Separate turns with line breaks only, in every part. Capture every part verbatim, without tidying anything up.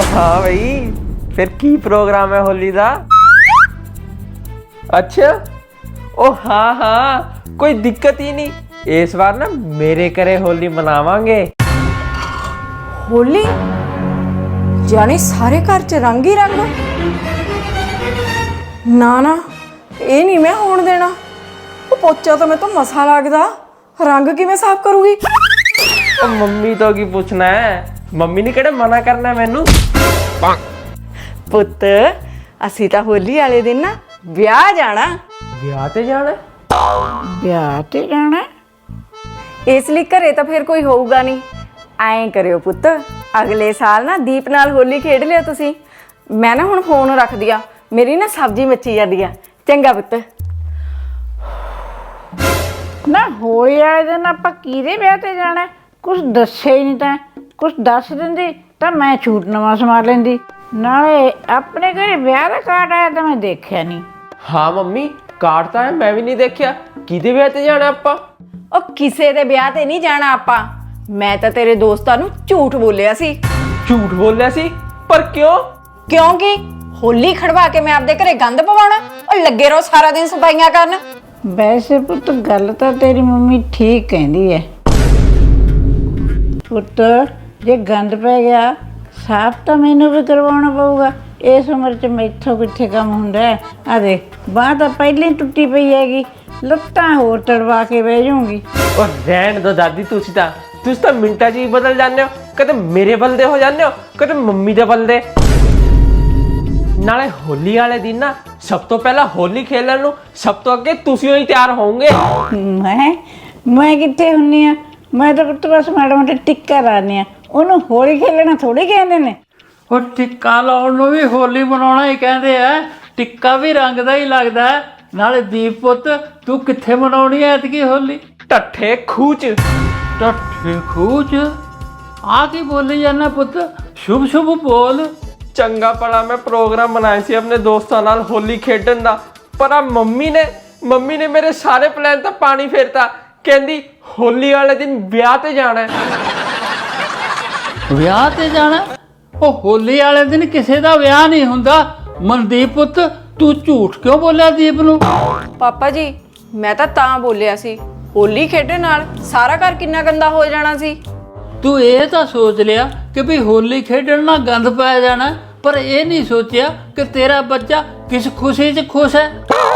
हाँ भाई, फिर की प्रोग्राम है होली दा? अच्छा, ओ हाँ हाँ, कोई दिक्कत ही नहीं। इस बार ना मेरे करे होली मनावांगे।
होली जाने सारे घर च रंग ही रंग। ना ना ये नहीं मैं होने देना। वो पोचा तो मैं तो मसा लगदा, रंग किवें साफ करूंगी?
ओ मम्मी तो की पूछना है, मम्मी ने किहड़ा मना करना है मैनू।
पुत्त असी तां होली वाले दिन ना विआह जाना।
विआह ते जाना?
ਵਿਆਹ ਤੇ ਜਾਣਾ ਇਸ ਲਈ ਘਰੇ ਤਾਂ ਫਿਰ ਕੋਈ ਹੋਊਗਾ ਨਹੀਂ। ਐਂ ਕਰਿਓ ਪੁੱਤ, ਅਗਲੇ ਸਾਲ ਨਾ ਦੀਪ ਨਾਲ ਹੋਲੀ ਖੇਡ ਲਿਓ ਤੁਸੀਂ। ਮੈਂ ਨਾ ਹੁਣ ਫੋਨ ਰੱਖਦੀ ਆ, ਮੇਰੀ ਨਾ ਸਬਜ਼ੀ ਮੱਚੀ ਜਾਂਦੀ ਆ। ਚੰਗਾ ਪੁੱਤ।
ਨਾ ਹੋਲੀ ਵਾਲੇ ਦਿਨ ਆਪਾਂ ਕਿਹਦੇ ਵਿਆਹ ਤੇ ਜਾਣਾ? ਕੁਛ ਦੱਸਿਆ ਹੀ ਨਹੀਂ ਤਾਂ। ਕੁਛ ਦੱਸ ਦਿੰਦੀ ਤਾਂ ਮੈਂ ਛੂਟ ਨਵਾਂ ਸਮਾ ਲੈਂਦੀ। ਨਾਲੇ ਆਪਣੇ ਘਰੇ ਵਿਆਹ ਦਾ ਕਾਰਡ ਆਇਆ ਤਾਂ ਮੈਂ ਦੇਖਿਆ ਨਹੀਂ।
हाँ मम्मी, कार्ड तो है, मैं भी नहीं देखा। किहदे विआह ते जाना आपां?
ਉਹ ਕਿਸੇ ਦੇ ਵਿਆਹ ਤੇ ਨਹੀਂ ਜਾਣਾ ਆਪਾਂ। ਮੈਂ ਤਾਂ ਤੇਰੇ ਦੋਸਤਾਂ ਨੂੰ ਝੂਠ ਬੋਲਿਆ ਸੀ।
झूठ बोल रहा सी? पर क्यों?
ਕਿਉਂਕਿ ਹੋਲੀ ਖੜਵਾ ਕੇ ਮੈਂ ਆਪਦੇ ਘਰੇ ਗੰਦ ਪਵਾਉਣਾ। ਉਹ ਲੱਗੇ ਰਹੋ ਸਾਰਾ ਦਿਨ ਸਫਾਈਆਂ ਕਰਨ।
ਵੈਸੇ ਪੁੱਤ ਗੱਲ ਤਾਂ ਤੇਰੀ ਮੰਮੀ ਠੀਕ ਕਹਿੰਦੀ ਹੈ। ਪੁੱਤ ਜੇ ਗੰਦ ਪੈ ਗਿਆ ਸਾਫ਼ ਤਾਂ ਮੈਨੂੰ ਵੀ ਕਰਵਾਉਣਾ ਪਊਗਾ। ਇਸ ਉਮਰ 'ਚ ਮੈਥੋਂ ਕਿੱਥੇ ਕੰਮ ਹੁੰਦਾ ਹੈ। ਆ ਦੇਖ ਬਾਂਹ ਤਾਂ ਪਹਿਲਾਂ ਹੀ ਟੁੱਟੀ ਪਈ ਹੈਗੀ, ਲੱਤਾਂ ਹੋਰ ਤੜਵਾ ਕੇ ਬਹਿ ਜਾਊਂਗੀ।
और रहन दो दादी, तुसी ता तुसी ता मिंटा च ही बदल जाने हो। कदे मेरे बलदे हो जाने हो, कदे मम्मी दे बलदे। नाले होली वाले दिन ना सब तो पहला होली खेलन नू सब तो अगे तुसी ही तैयार होंगे।
ਮੈਂ ਮੈਂ ਕਿੱਥੇ ਹੁੰਨੀ ਆ? ਮੈਂ ਤਾਂ ਪੁੱਤ ਬਸ ਮਾੜਾ ਮੋਟਾ ਟਿੱਕਾ ਲਾਉਂਦੀ ਆ। ਉਹਨੂੰ ਹੋਲੀ ਖੇਲਣਾ ਥੋੜੀ ਕਹਿੰਦੇ ਨੇ।
ਉਹ ਟਿੱਕਾ ਲਾਉਣ ਨੂੰ ਵੀ ਹੋਲੀ ਮਨਾਉਣਾ ਹੀ ਕਹਿੰਦੇ ਆ। ਟਿੱਕਾ ਵੀ ਰੰਗ ਦਾ ਹੀ ਲੱਗਦਾ ਹੈ। ਨਾਲੇ ਦੀਪ ਪੁੱਤ ਤੂੰ ਕਿੱਥੇ ਮਨਾਉਣੀ ਐ ਐਤਕੀ ਹੋਲੀ?
टट्ठे खूच।
ਟੱਠੇ ਖੂਚ ਆ ਕੀ ਬੋਲੀ ਜਾਂਦਾ ਪੁੱਤ? ਸ਼ੁਭ ਸ਼ੁਭ ਬੋਲ।
चंगा भला मैं प्रोग्राम बनाया सी अपने दोस्तों नाल होली खेडन दा, पर आ मम्मी ने मम्मी ने मेरे सारे प्लान तो पानी फेरता। कहंदी होली वाले दिन ब्याह ते जाना है।
ਵਿਆਹ ਤੇ ਜਾਣਾ? ਉਹ ਹੋਲੀ ਵਾਲੇ ਦਿਨ ਕਿਸੇ ਦਾ ਵਿਆਹ ਨਹੀਂ ਹੁੰਦਾ। ਮਨਦੀਪ ਪੁੱਤ ਤੂੰ ਝੂਠ ਕਿਉਂ ਬੋਲਿਆ ਦੀਪ ਨੂੰ?
ਪਾਪਾ ਜੀ ਮੈਂ ਤਾਂ ਤਾਂ ਬੋਲਿਆ ਸੀ, ਹੋਲੀ ਖੇਡਣ ਨਾਲ ਸਾਰਾ ਘਰ ਕਿੰਨਾ ਗੰਦਾ ਹੋ ਜਾਣਾ ਸੀ।
ਤੂੰ ਇਹ ਤਾਂ ਸੋਚ ਲਿਆ ਕਿ ਵੀ ਹੋਲੀ ਖੇਡਣ ਨਾਲ ਗੰਦ ਪੈ ਜਾਣਾ, ਪਰ ਇਹ ਨਹੀਂ ਸੋਚਿਆ ਕਿ ਤੇਰਾ ਬੱਚਾ ਕਿਸ ਖੁਸ਼ੀ 'ਚ ਖੁਸ਼ ਹੈ।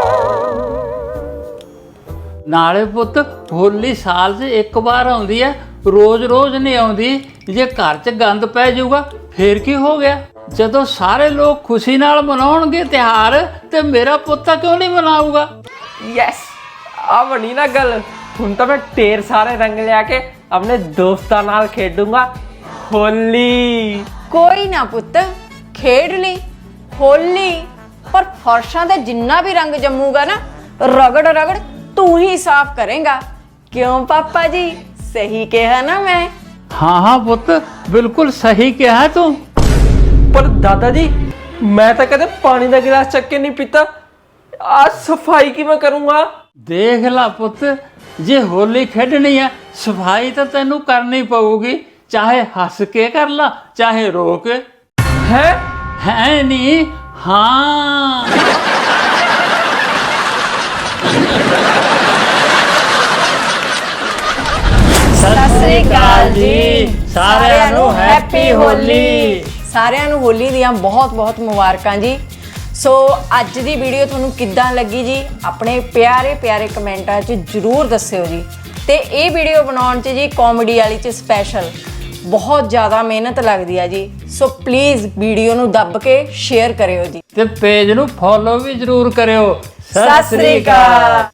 ਨਾਲੇ ਪੁੱਤ ਹੋਲੀ ਸਾਲ 'ਚ ਇੱਕ ਵਾਰ ਆਉਂਦੀ ਹੈ, ਰੋਜ਼-ਰੋਜ਼ ਨਹੀਂ ਆਉਂਦੀ। ਜੇ ਘਰ 'ਚ ਗੰਦ ਪੈ ਜਾਊਗਾ ਫੇਰ ਕੀ ਹੋ ਗਿਆ? ਜਦੋਂ ਸਾਰੇ ਲੋਕ ਖੁਸ਼ੀ ਨਾਲ ਮਨਾਉਣਗੇ ਤਿਉਹਾਰ ਤੇ ਮੇਰਾ ਪੁੱਤ ਕਿਉਂ ਨਹੀਂ ਮਨਾਊਗਾ?
यस, आ बनी ना गल। हुण तो मैं ढेर सारे रंग लिया के अपने दोस्तां नाल खेडूंगा होली।
ਕੋਈ ਨਾ ਪੁੱਤ, ਖੇਡ ਲਈ ਹੋਲੀ, ਪਰ ਫਰਸ਼ਾਂ ਤੇ ਜਿੰਨਾ ਵੀ ਰੰਗ ਜੰਮੂਗਾ ਨਾ ਰਗੜ ਰਗੜ ਤੂੰ ਹੀ ਸਾਫ਼ ਕਰੇਗਾ। ਕਿਉਂ ਪਾਪਾ ਜੀ, ਸਹੀ ਕਿਹਾ ਨਾ ਮੈਂ?
ਹਾਂ ਹਾਂ ਪੁੱਤ ਬਿਲਕੁਲ ਸਹੀ ਕਿਹਾ ਤੂੰ।
पर दादाजी मैं तो कदे पानी का गिलास चक के नहीं पीता। आज सफाई की मैं करूंगा।
ਦੇਖ ਲਾ ਪੁੱਤ, ਜੇ ਹੋਲੀ ਖੇਡਣੀ ਹੈ ਸਫਾਈ ਤਾਂ ਤੈਨੂੰ ਕਰਨੀ ਪਊਗੀ। ਚਾਹੇ ਹੱਸ ਕੇ ਕਰ ਲਾ ਚਾਹੇ ਰੋ ਕੇ।
है
ਹੈ ਨਹੀਂ? ਹਾਂ।
ਸਤਿ ਸ੍ਰੀ ਅਕਾਲ ਜੀ
ਸਾਰਿਆਂ ਨੂੰ ਹੈਪੀ ਹੋਲੀ।
ਸਾਰਿਆਂ ਨੂੰ ਹੋਲੀ ਦੀਆਂ ਬਹੁਤ ਬਹੁਤ ਮੁਬਾਰਕਾਂ ਜੀ। ਸੋ ਅੱਜ ਦੀ ਵੀਡੀਓ ਤੁਹਾਨੂੰ ਕਿੱਦਾਂ ਲੱਗੀ ਜੀ, ਆਪਣੇ ਪਿਆਰੇ ਪਿਆਰੇ ਕਮੈਂਟਾਂ 'ਚ ਜ਼ਰੂਰ ਦੱਸਿਓ ਜੀ। ਤੇ ਇਹ ਵੀਡੀਓ ਬਣਾਉਣ 'ਚ ਜੀ ਕਾਮੇਡੀ ਵਾਲੀ 'ਚ ਸਪੈਸ਼ਲ ਬਹੁਤ ਜ਼ਿਆਦਾ ਮਿਹਨਤ ਲੱਗਦੀ ਆ ਜੀ। ਸੋ ਪਲੀਜ਼ ਵੀਡੀਓ ਨੂੰ ਦੱਬ ਕੇ ਸ਼ੇਅਰ ਕਰਿਓ ਜੀ।
ਤੇ ਪੇਜ ਨੂੰ ਫੋਲੋ ਵੀ ਜ਼ਰੂਰ ਕਰਿਓ।
ਸਤਿ ਸ੍ਰੀ ਅਕਾਲ।